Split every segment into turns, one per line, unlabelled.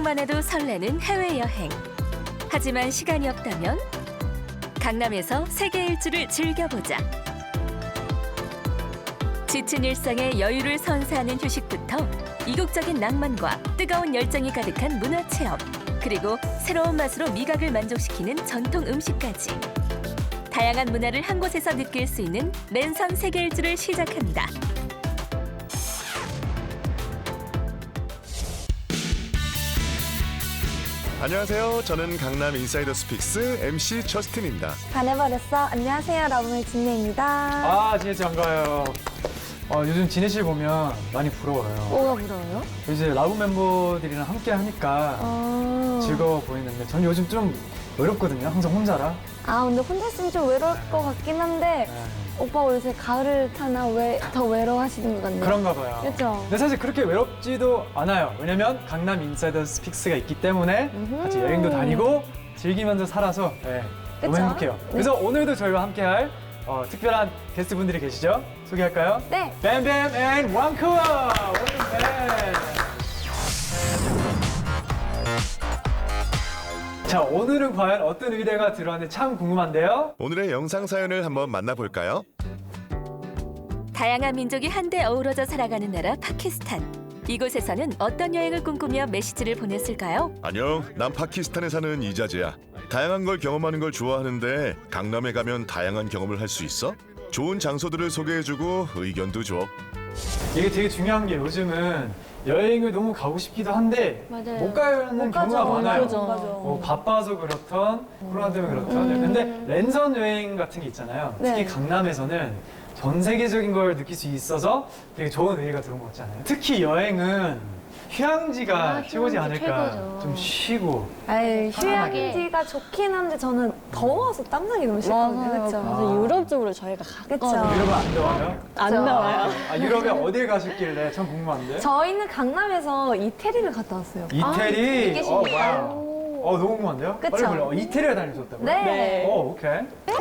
상상만 해도 설레는 해외여행. 하지만 시간이 없다면 강남에서 세계 일주를 즐겨보자. 지친 일상에 여유를 선사하는 휴식부터 이국적인 낭만과 뜨거운 열정이 가득한 문화체험, 그리고 새로운 맛으로 미각을 만족시키는 전통 음식까지 다양한 문화를 한 곳에서 느낄 수 있는 랜선 세계 일주를 시작합니다.
안녕하세요. 저는 강남 인사이더 스픽스 MC 저스틴입니다.
반해버렸어. 안녕하세요. 러브의 진혜입니다.
아, 진혜 씨 반가워요. 요즘 진혜 씨 보면 많이 부러워요.
뭐가 부러워요?
이제 라브 멤버들이랑 함께 하니까 즐거워 보이는데 전 요즘 좀 외롭거든요. 항상 혼자라.
아, 근데 혼자 있으면 좀 외로울 것 같긴 한데 오빠 요새 가을을 타나 왜 더 외로워하시는 것 같네요.
그런가 봐요.
그렇죠?
근데 사실 그렇게 외롭지도 않아요. 왜냐면 강남 인사이더 스픽스가 있기 때문에 같이 여행도 다니고 즐기면서 살아서 너무
그쵸?
행복해요. 그래서 오늘도 저희와 함께할 특별한 게스트분들이 계시죠? 소개할까요?
네.
뱀뱀 앤 왕쿠어! 뱀뱀! 자, 오늘은 과연 어떤 의뢰가 들어왔는지 참 궁금한데요?
오늘의 영상 사연을 한번 만나볼까요?
다양한 민족이 한데 어우러져 살아가는 나라 파키스탄. 이곳에서는 어떤 여행을 꿈꾸며 메시지를 보냈을까요?
안녕, 난 파키스탄에 사는 이자재야. 다양한 걸 경험하는 걸 좋아하는데 강남에 가면 다양한 경험을 할 수 있어? 좋은 장소들을 소개해주고 의견도 줘.
이게 되게 중요한 게 요즘은 여행을 너무 가고 싶기도 한데
맞아요.
못 가는
못
경우가
가죠.
많아요.
맞아.
뭐 바빠서 그렇던 코로나 때문에 그렇던 근데 랜선 여행 같은 게 있잖아요. 특히
네.
강남에서는 전 세계적인 걸 느낄 수 있어서 되게 좋은 의미가 들어온 것 같지 않아요? 특히 여행은 휴양지가 최고지
휴양지
않을까.
최고죠.
좀 쉬고.
아이,
편안하게.
휴양지가 좋긴 한데 저는 더워서 땀나기 너무 싫거든요. 그렇죠?
아.
유럽 쪽으로 저희가
그쵸?
갔거든요.
유럽은 안 더워요?
안
그쵸?
더워요.
아, 유럽에 어딜 가셨길래 참 궁금한데?
저희는 강남에서 이태리를 갔다 왔어요.
이태리?
계십니까?
와우. 너무 궁금한데요?
그쵸?
빨리 몰라. 이태리에 다니셨다고요?
네.
오케이.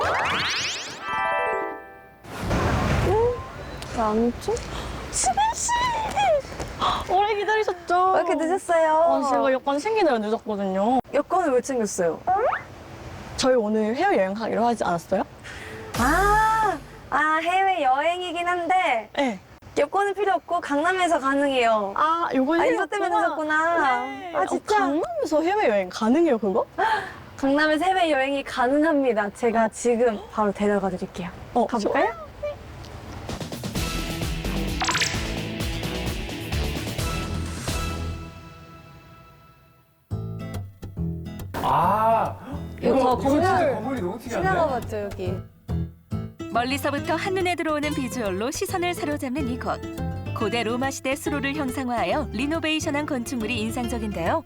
안 춥? 수빈 씨! 오래 기다리셨죠?
왜 이렇게 늦었어요?
제가 여권 챙기느라 늦었거든요.
여권을 왜 챙겼어요?
저희 오늘 해외여행 가기로 하지 않았어요?
해외 여행이긴 한데
네.
여권은 필요 없고 강남에서 가능해요.
이거
이것 때문에 늦었구나.
네.
아, 진짜?
강남에서 해외여행 가능해요, 그거?
강남에서 해외 여행이 가능합니다. 제가 지금 바로 데려가 드릴게요. 가볼까요?
이거
건물
진짜 건물이 너무 특이한데?
지나가봤죠, 여기.
멀리서부터 한눈에 들어오는 비주얼로 시선을 사로잡는 이곳. 고대 로마 시대 수로를 형상화하여 리노베이션한 건축물이 인상적인데요.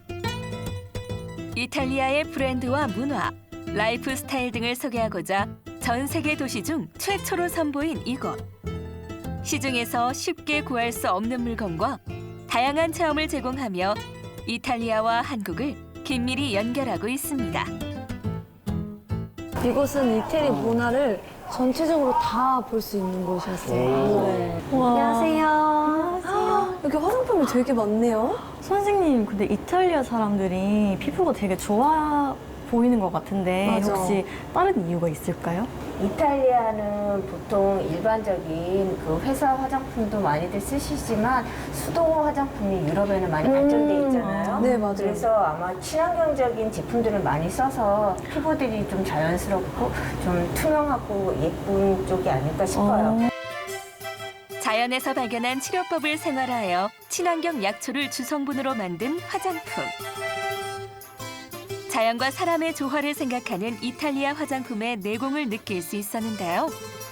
이탈리아의 브랜드와 문화, 라이프 스타일 등을 소개하고자 전 세계 도시 중 최초로 선보인 이곳. 시중에서 쉽게 구할 수 없는 물건과 다양한 체험을 제공하며 이탈리아와 한국을 긴밀히 연결하고 있습니다.
이곳은 이태리 문화를 전체적으로 다 볼 수 있는 곳이었어요. 네. 안녕하세요. 여기 화장품이 되게 많네요.
선생님, 근데 이탈리아 사람들이 피부가 되게 좋아 보이는 것 같은데
맞아.
혹시 다른 이유가 있을까요?
이탈리아는 보통 일반적인 그 회사 화장품도 많이들 쓰시지만 수도 화장품이 유럽에는 많이 발전돼 있잖아요.
네, 맞아요.
그래서 아마 친환경적인 제품들을 많이 써서 피부들이 좀 자연스럽고 좀 투명하고 예쁜 쪽이 아닐까 싶어요.
자연에서 발견한 치료법을 생활화하여 친환경 약초를 주성분으로 만든 화장품. 자연과 사람의 조화를 생각하는 이탈리아 화장품의 내공을 느낄 수 있었는데요.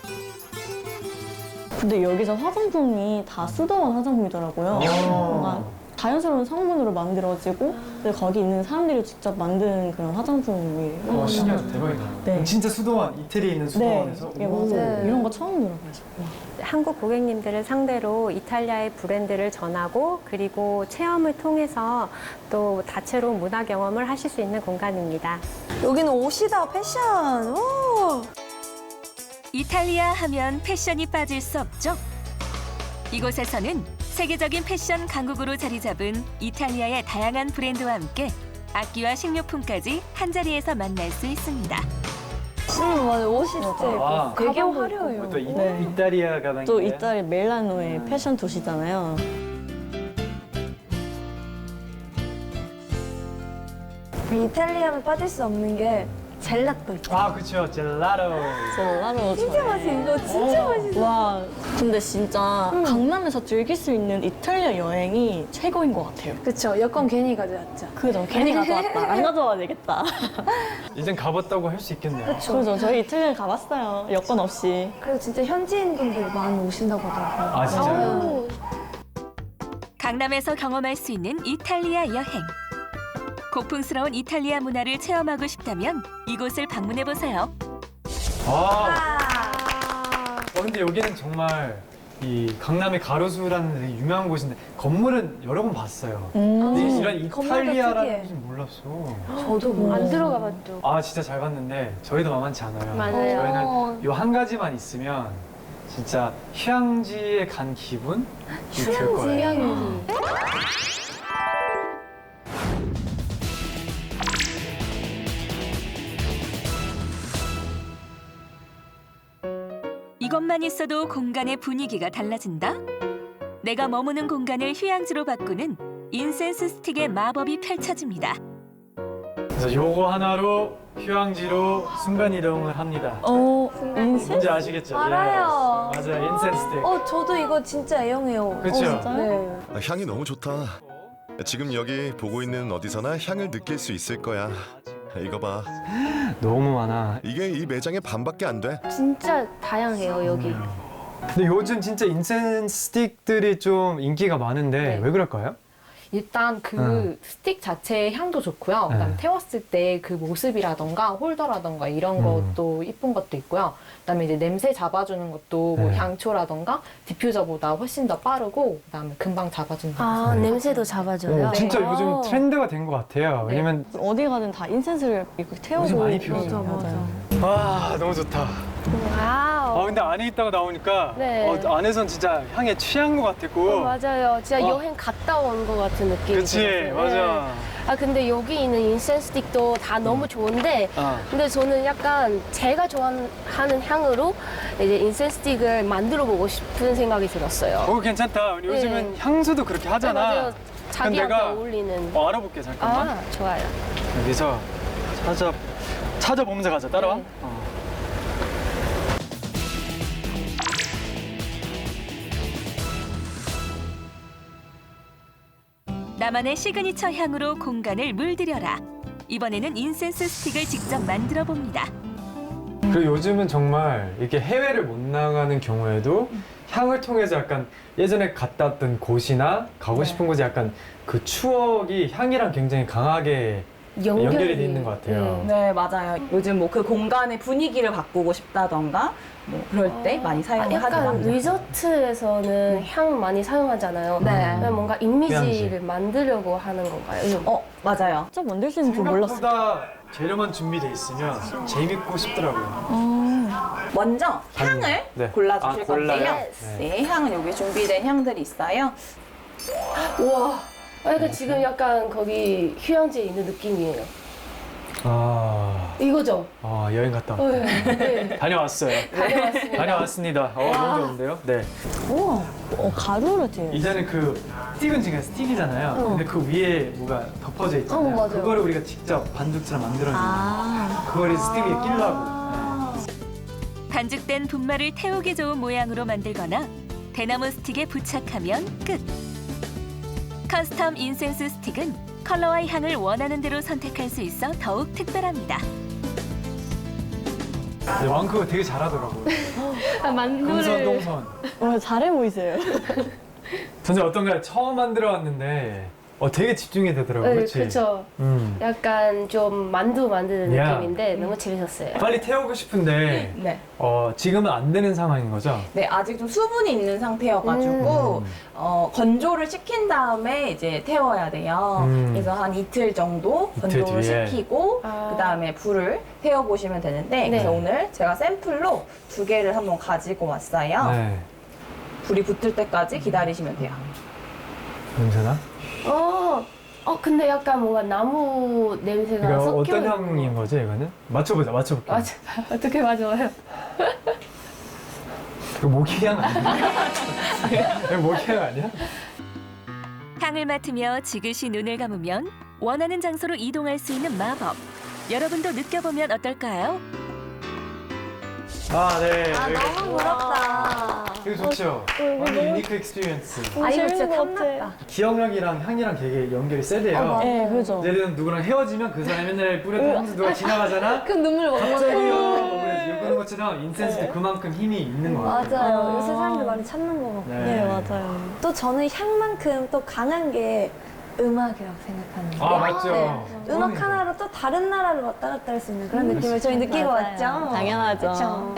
근데 여기서 화장품이 다 쓰던 화장품이더라고요. 뭔가 자연스러운 성분으로 만들어지고 거기 있는 사람들이 직접 만든 그런 화장품이에요.
신기하다. 대박이다.
네.
진짜 수도원, 이태리에 있는 수도원에서?
네, 맞아요. 이런 거 처음 들어봐요.
한국 고객님들을 상대로 이탈리아의 브랜드를 전하고 그리고 체험을 통해서 또 다채로운 문화 경험을 하실 수 있는 공간입니다.
여기는 옷이다, 패션. 오.
이탈리아 하면 패션이 빠질 수 없죠. 이곳에서는 세계적인 패션 강국으로 자리 잡은 이탈리아의 다양한 브랜드와 함께 악기와 식료품까지 한자리에서 만날 수 있습니다.
맞아. 옷이 진짜 예뻐.
아.
되게 화려해요.
또
네.
이탈리아 가방인데.
또 이탈리 밀라노의 패션 도시잖아요.
이탈리아는 빠질 수 없는 게 젤라또 있죠.
아, 그쵸. 젤라또.
젤라로
진짜 맛있어. 이거 진짜 맛있어.
와, 근데 진짜 강남에서 즐길 수 있는 이탈리아 여행이 최고인 것 같아요.
그쵸. 여권 괜히 가져왔죠.
그죠? 괜히 가져왔다. 안 가져와야 되겠다.
이젠 가봤다고 할 수 있겠네요.
그죠? 저희 이탈리아 가봤어요. 여권 없이.
그리고 진짜 현지인 분들 많이 오신다고 하더라고요.
아, 진짜요?
강남에서 경험할 수 있는 이탈리아 여행. 고풍스러운 이탈리아 문화를 체험하고 싶다면 이곳을 방문해 보세요.
근데 여기는 정말 이 강남의 가로수라는 되게 유명한 곳인데 건물은 여러 번 봤어요. 근데 이런
건물도
이탈리아라는
특이해.
곳은 몰랐어.
저도 뭐. 안 들어가 봤죠.
아, 진짜 잘 봤는데 저희도 만만치 않아요.
맞아요.
저희는 요 한 가지만 있으면 진짜 휴양지에 간 기분이 들 거예요.
이것만 있어도 공간의 분위기가 달라진다? 내가 머무는 공간을 휴양지로 바꾸는 인센스 스틱의 마법이 펼쳐집니다.
그래서 요거 하나로 휴양지로 순간 이동을 합니다.
인생?
뭔지 아시겠죠?
알아요.
예. 맞아요. 인센스 스틱.
저도 이거 진짜 애용해요.
그쵸?
진짜요?
네.
아, 향이 너무 좋다. 지금 여기 보고 있는 어디서나 향을 느낄 수 있을 거야. 이거 봐.
너무 많아.
이게 이 매장의 반밖에 안 돼.
진짜 다양해요 여기.
근데 요즘 진짜 인센스 스틱들이 좀 인기가 많은데
네.
왜 그럴까요?
일단 그 스틱 자체의 향도 좋고요. 그다음 태웠을 때 그 모습이라던가 홀더라던가 이런 것도 이쁜 것도 있고요. 그다음에 이제 냄새 잡아주는 것도 뭐
네.
향초라던가 디퓨저보다 훨씬 더 빠르고 그다음에 금방 잡아준다.
아, 냄새도 잡아줘요.
진짜 요즘 트렌드가 된 것 같아요. 왜냐면
어디 가든 다 인센스를 이렇게 태우고.
요즘 많이 피우죠.
맞아요.
와, 너무 좋다.
와우.
근데 안에 있다가 나오니까
네.
안에선 진짜 향에 취한 것 같았고.
맞아요. 진짜 여행 갔다 온 것 같은 느낌이
그치,
들었어요.
맞아.
네. 아 근데 여기 있는 인센스 스틱도 다 너무 좋은데 근데 저는 약간 제가 좋아하는 향으로 이제 인센스 스틱을 만들어 보고 싶은 생각이 들었어요.
괜찮다. 우리 요즘은 향수도 그렇게 하잖아.
네, 맞아요. 자기한테
내가
어울리는.
알아볼게, 잠깐만.
아 좋아요.
여기서 찾아보면서 가자. 따라와.
네.
나만의 시그니처 향으로 공간을 물들여라. 이번에는 인센스 스틱을 직접 만들어 봅니다.
그리고 요즘은 정말 이렇게 해외를 못 나가는 경우에도 향을 통해서 약간 예전에 갔다 왔던 곳이나 가고 싶은 곳에 약간 그 추억이 향이랑 굉장히 강하게 연결이 돼 있는 것 같아요.
네, 맞아요. 요즘 뭐 그 공간의 분위기를 바꾸고 싶다던가 뭐 그럴 때 많이 사용을
약간
하더라고요.
리조트에서는 향 많이 사용하잖아요.
네.
뭔가 이미지를 만들려고 하는 건가요?
맞아요.
진짜 만들 수 있는 줄 몰랐어요.
생각보다 재료만 준비돼 있으면 재밌고 싶더라고요.
먼저 향을
네.
골라주실
골라요?
건데요. 네, 향은 여기 준비된 향들이 있어요.
우와. 그러니까 지금 약간 거기 휴양지에 있는 느낌이에요. 이거죠?
여행 갔다 왔다.
네.
다녀왔어요.
다녀왔습니다.
다녀왔습니다. 너무 좋은데요? 네.
우와, 가루를 돼요.
이제는 그 스틱은 지금 스틱이잖아요. 근데 그 위에 뭐가 덮어져 있잖아요.
맞아요.
그거를 우리가 직접 반죽처럼 만들어내는 그거를 스틱 위에 끼려고.
반죽된 분말을 태우기 좋은 모양으로 만들거나 대나무 스틱에 부착하면 끝. 커스텀 인센스 스틱은 컬러와 향을 원하는 대로 선택할 수 있어 더욱 특별합니다.
네, 왕크가 되게 잘하더라고요. 금선 동선.
잘해 보이세요.
선생 어떤가요? 처음 만들어 왔는데 되게 집중이 되더라고요.
네,
그치?
그렇죠. 약간 좀 만두 만드는
야.
느낌인데 너무 재밌었어요.
빨리 태우고 싶은데
네.
지금은 안 되는 상황인 거죠?
네, 아직 좀 수분이 있는 상태여가지고 건조를 시킨 다음에 이제 태워야 돼요. 그래서 한 이틀 정도
이틀
건조를
뒤에.
시키고 그 다음에 불을 태워보시면 되는데 그래서 오늘 제가 샘플로 2개를 한번 가지고 왔어요.
네.
불이 붙을 때까지 기다리시면 돼요.
냄새나?
근데 약간 뭔가 나무 냄새가
이거
섞여
어떤
있는
향인 거지 이거는? 맞춰볼게.
맞아. 어떻게 맞아요?
이거 모기향 아니야? 이거 모기향 아니야?
향을 맡으며 지그시 눈을 감으면 원하는 장소로 이동할 수 있는 마법. 여러분도 느껴보면 어떨까요?
아, 네.
너무 부럽다.
이거 좋죠? 완전 유니크 익스피리언스.
이거 진짜 탐났다.
기억력이랑 향이랑 되게 연결이 세대요.
네, 그죠.
예를 들면 누구랑 헤어지면 그 사람이 맨날 뿌렸던 향수 누가 지나가잖아?
그럼 눈물
갑자기요. 그런 것처럼 인센스도 그만큼 힘이 있는 것 같아요.
맞아요. 요새 사람들 많이 찾는 거 같고.
네, 맞아요.
또 저는 향만큼 또 강한 게 음악이라고 생각하는데.
아, 맞죠.
음악 하나로 또 다른 나라를 왔다 갔다 할 수 있는 그런 느낌을 저희 느끼고 왔죠.
당연하죠.
그쵸?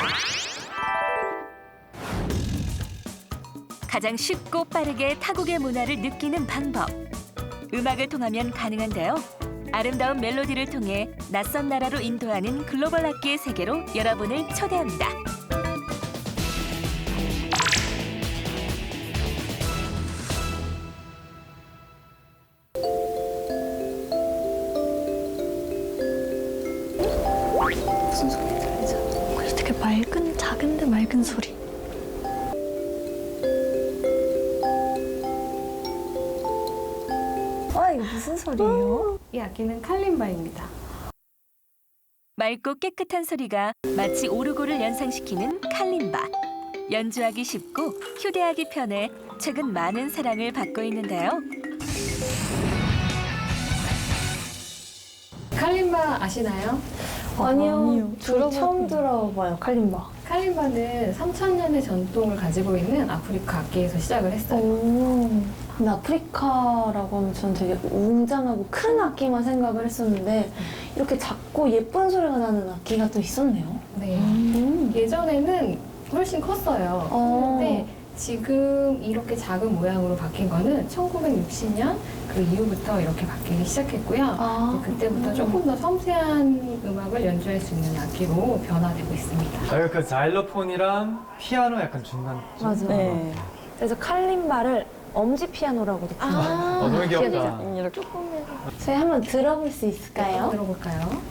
가장 쉽고 빠르게 타국의 문화를 느끼는 방법. 음악을 통하면 가능한데요. 아름다운 멜로디를 통해 낯선 나라로 인도하는 글로벌 악기의 세계로 여러분을 초대합니다.
무슨 소리 들리죠? 되게 맑은, 작은데 맑은 소리. 이거 무슨 소리예요?
이 악기는 칼림바입니다.
맑고 깨끗한 소리가 마치 오르골을 연상시키는 칼림바. 연주하기 쉽고 휴대하기 편해 최근 많은 사랑을 받고 있는데요.
칼림바 아시나요?
아니요. 처음 들어봐요, 칼림바.
칼림바는 3,000년의 전통을 가지고 있는 아프리카 악기에서 시작을 했어요.
근데 아프리카라고 하면 전 되게 웅장하고 큰 악기만 생각을 했었는데 이렇게 작고 예쁜 소리가 나는 악기가 또 있었네요.
네. 예전에는 훨씬 컸어요. 근데 지금 이렇게 작은 모양으로 바뀐 거는 1960년 그 이후부터 이렇게 바뀌기 시작했고요. 그때부터 조금 더 섬세한 음악을 연주할 수 있는 악기로 변화되고 있습니다.
아, 그 자일로폰이랑 피아노 약간 중간.
맞아요.
네.
그래서 칼림바를 엄지 피아노라고도 불러요.
너무 귀엽다.
이렇게.
저희 한번 들어볼 수 있을까요?
들어볼까요?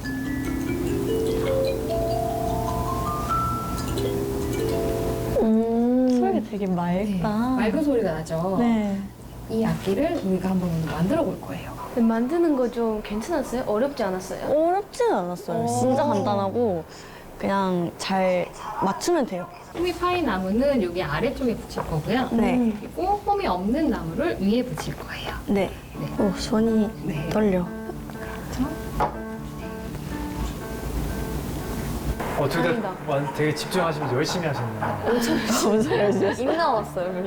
소리가 되게 맑다.
맑은 소리가 나죠?
네.
이 악기를 우리가 한번 만들어 볼 거예요.
만드는 거 좀 괜찮았어요? 어렵지 않았어요?
어렵지는 않았어요. 진짜 간단하고 그냥 잘 맞추면 돼요.
홈이 파인 나무는 여기 아래쪽에 붙일 거고요.
네.
그리고 홈이 없는 나무를 위에 붙일 거예요.
네.
네.
오, 손이
네.
떨려.
되게 집중하시면서 열심히 하셨네요.
입 나왔어요.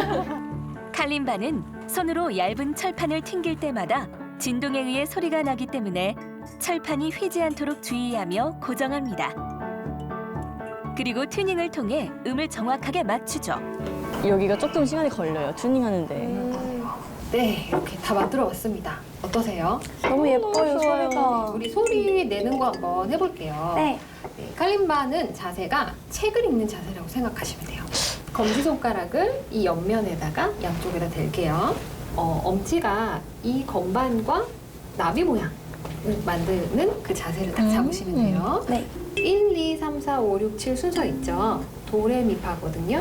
칼림바는 손으로 얇은 철판을 튕길 때마다 진동에 의해 소리가 나기 때문에 철판이 휘지 않도록 주의하며 고정합니다. 그리고 튜닝을 통해 음을 정확하게 맞추죠.
여기가 조금 시간이 걸려요. 튜닝하는데.
네, 이렇게 다 만들어 왔습니다. 어떠세요?
너무 예뻐요,
좋아요.
소리가.
우리 소리 내는 거 한번 해볼게요.
네.
네, 칼림바는 자세가 책을 읽는 자세라고 생각하시면 돼요. 검지손가락을 이 옆면에다가 양쪽에다 댈게요. 엄지가 이 건반과 나비 모양을 만드는 그 자세를 딱 잡으시면 돼요.
네.
1, 2, 3, 4, 5, 6, 7 순서 있죠? 도레미파거든요.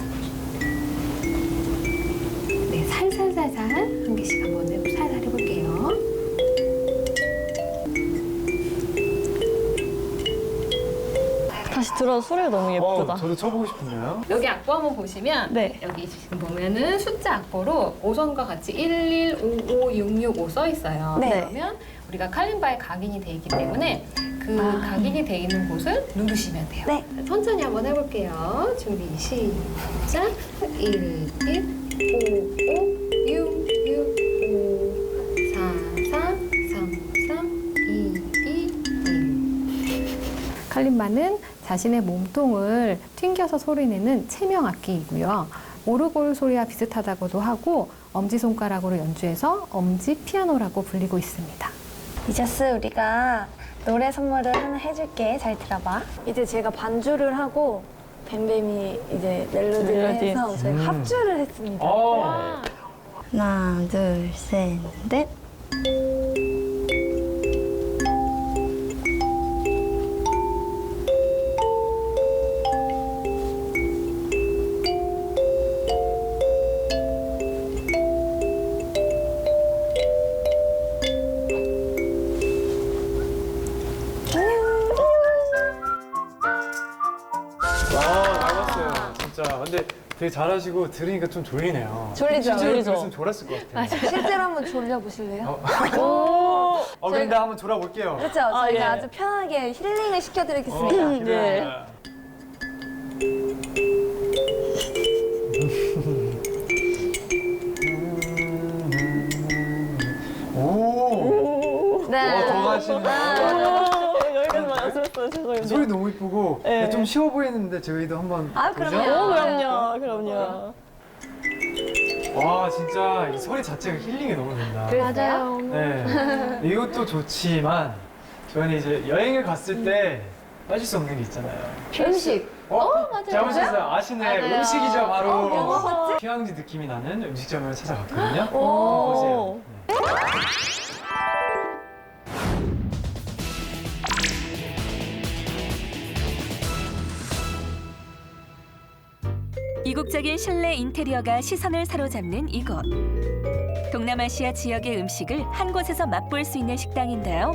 네, 살살살살 한 개씩 한번 살살 해볼게요.
다시 들어도 소리가 너무 예쁘다.
저도 쳐보고 싶은데요.
여기 악보 한번 보시면
네.
여기 지금 보면은 숫자 악보로 5선과 같이 1155665 써 있어요.
네.
그러면 우리가 칼림바에 각인이 돼 있기 때문에 그 각인이 돼 있는 곳을 누르시면 돼요.
네.
천천히 한번 해볼게요. 준비 시작. 1, 1, 5, 5, 6, 6, 5, 4, 4, 3, 3, 2, 2, 1. 칼림바는 자신의 몸통을 튕겨서 소리내는 체명 악기이고요. 오르골 소리와 비슷하다고도 하고 엄지손가락으로 연주해서 엄지 피아노라고 불리고 있습니다.
이자스, 우리가 노래 선물을 하나 해줄게. 잘 들어봐. 이제 제가 반주를 하고 뱀뱀이 이제 멜로디를
멜로디.
해서 저희가 합주를 했습니다.
와,
하나, 둘, 셋, 넷.
나갔어요. 진짜. 근데 되게 잘하시고 들으니까 좀 졸리네요.
졸리죠?
실제로
졸리죠?
들었으면 졸았을 것 같아요.
실제로 한번 졸려보실래요?
근데 한번 졸아볼게요.
그렇죠. 저희가
예.
아주 편하게 힐링을 시켜드리겠습니다.
네. 오.
네.
더 가시네.
여기까지 말씀했어요. 죄송해요.
소리 너무 이쁘고
네.
좀 쉬워 보이는데 저희도 한번
아,
보죠?
그럼요.
그럼요.
와 진짜 이 소리 자체가 힐링이 너무 된다.
맞아요.
네. 이것도 좋지만 저희는 이제 여행을 갔을 때 빠질 수 없는 게 있잖아요.
음식.
맞아요. 잘못했어요. 아시네.
맞아요.
음식이죠 바로.
뭐가
휴양지 느낌이 나는 음식점을 찾아갔거든요.
오.
보세요. 네.
이국적인 실내 인테리어가 시선을 사로잡는 이곳. 동남아시아 지역의 음식을 한 곳에서 맛볼 수 있는 식당인데요.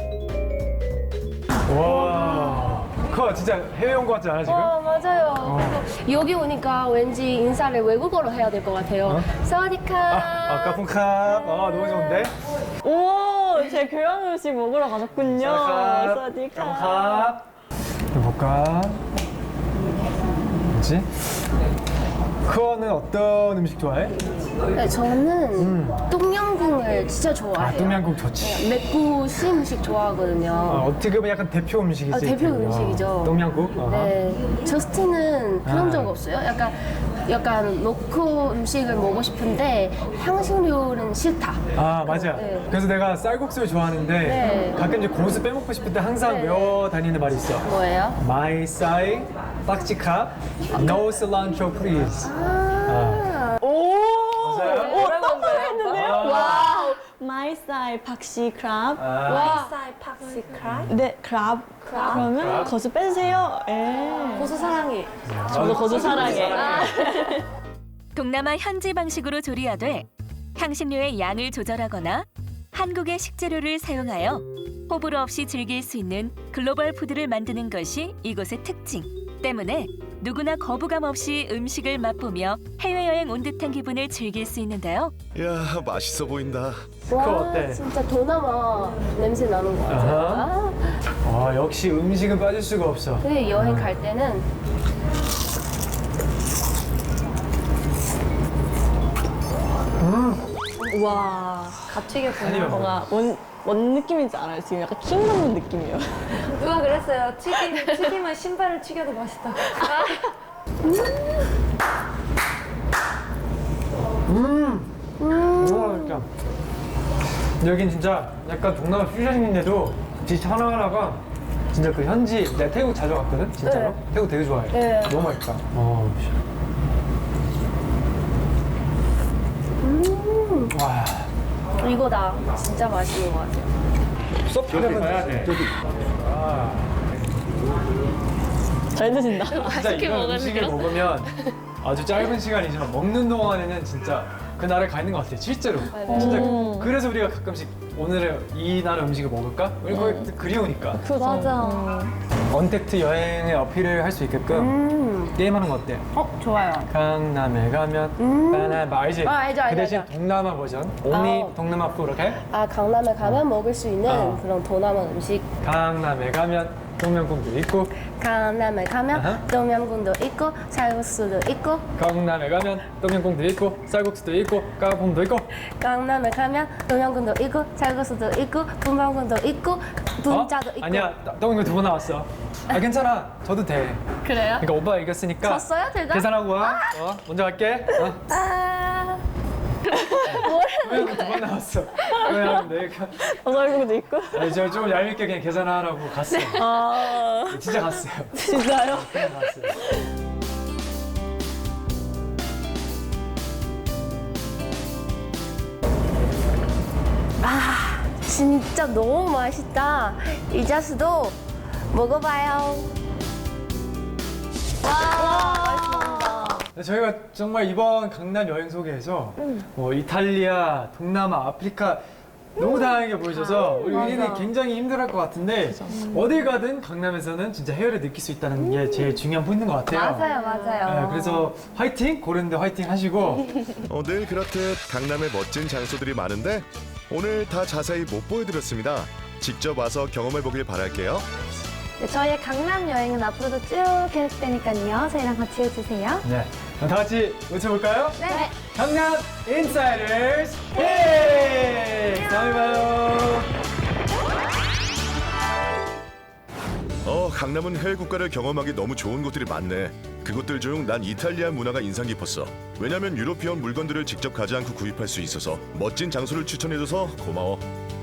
와. 그거 진짜 해외 온 것 같지 않아 지금?
맞아요. 여기 오니까 왠지 인사를 외국어로 해야 될 것 같아요. 사와디카.
까꿍캅. 너무 좋은데?
오, 제 교양 음식 먹으러 가셨군요. 사디카.
까꿍캅. 볼까? 뭐지? 그거는 어떤 음식 좋아해?
네, 저는 똠양꿍을 진짜 좋아해요.
똠양꿍 좋지.
맵고 신 음식 좋아하거든요.
어떻게 보면 약간 대표 음식이지.
대표 음식이죠.
똠양꿍?
네, 저스틴은 그런 적 없어요. 약간 로컬 음식을 먹고 싶은데 향신료는 싫다.
맞아.
네.
그래서 내가 쌀국수를 좋아하는데
네.
가끔 이제 고수 빼먹고 싶을 때 항상
네.
외워 다니는 말이 있어.
뭐예요?
My side, 박지카, no cilantro please.
오!
맞아요?
뭐라고 한 거예요?
아.
와우! 마이사이 박시 크랍.
마이사이 팍시 크랍.
네, 크랍. 그러면 거수 빼주세요. 예.
고수 사랑해.
저도 거수 사랑해.
동남아 현지 방식으로 조리하되 향신료의 양을 조절하거나 한국의 식재료를 사용하여 호불호 없이 즐길 수 있는 글로벌 푸드를 만드는 것이 이곳의 특징 때문에 누구나 거부감 없이 음식을 맛보며 해외여행 온 듯한 기분을 즐길 수 있는데요.
야, 맛있어 보인다.
그거 어때?
진짜 동남아 냄새 나는 것 같아요.
역시 음식은 빠질 수가 없어.
근데 여행 갈 때는
우와. 다 튀겼구나.
아니요.
뭔가 뭔 느낌인지 알아요? 지금 약간 킹 받는 느낌이에요.
누가 그랬어요? 튀김은 신발을 튀겨도 맛있다고.
그러니까 여긴 진짜 약간 동남아 퓨전인데도 디시 하나하나가 진짜 그 현지 내가 태국 자주 갔거든 진짜로.
네.
태국 되게 좋아해.
네.
너무 맛있다. 와.
이거다. 진짜 맛있는 것 같아요.
서프를 가야 돼.
잘 드신다.
진짜 이런 음식을 먹으면 아주 짧은 시간이지만 먹는 동안에는 진짜 그 나라에 가 있는 것 같아. 실제로. 진짜 그래서 우리가 가끔씩 오늘은 이 나라 음식을 먹을까? 우리 거의 그리우니까.
맞아.
언택트 여행의 어필을 할 수 있게끔 게임하는 거 어때?
좋아요.
강남에 가면 바나나 알지?
알죠,
그 대신
알죠.
동남아 버전 only 동남아 푸 이렇게
강남에 가면 먹을 수 있는 그런 동남아 음식.
강남에 가면 동명궁도 있고
강남에 가면
아하.
똠양꿍도 있고 쌀국수도 있고
강남에 가면 동명궁도 있고 쌀국수도 있고 까꿍도 있고
강남에 가면 똠양꿍도 있고 쌀국수도 있고 분방꿍도 있고 분짜도 있고.
아니야 동명궁 두 번 나왔어. 괜찮아 저도 돼.
그래요?
그러니까 오빠가 이겼으니까
졌어요, 둘 다?
계산하고 와. 먼저 갈게. 동명궁 두 번 나왔어. 그냥 내가
얼굴도 있고.
제가 좀 얄밉게 그냥 계산하라고 갔어. 진짜 갔어요.
진짜요?
그냥 갔어요.
진짜 너무 맛있다. 이자스도 먹어봐요.
저희가 정말 이번 강남 여행 소개에서 이탈리아, 동남아, 아프리카 너무 다양하게 보여줘서 우리 의견이 굉장히 힘들어할 것 같은데 어딜 가든 강남에서는 진짜 해외를 느낄 수 있다는 게 제일 중요한 포인트인 것 같아요.
맞아요.
네, 그래서 화이팅! 고르는데 화이팅 하시고
늘 그렇듯 강남에 멋진 장소들이 많은데 오늘 다 자세히 못 보여드렸습니다. 직접 와서 경험해보길 바랄게요.
네, 저희의 강남 여행은 앞으로도 쭉 계속되니까요. 저희랑 같이 해주세요.
네, 그럼 다 같이 외쳐볼까요?
네.
강남 인사이더스 헤이! 다음에 봐요.
강남은 해외 국가를 경험하기 너무 좋은 곳들이 많네. 그곳들 중 난 이탈리아 문화가 인상 깊었어. 왜냐면 유로피언 물건들을 직접 가지 않고 구입할 수 있어서 멋진 장소를 추천해줘서 고마워.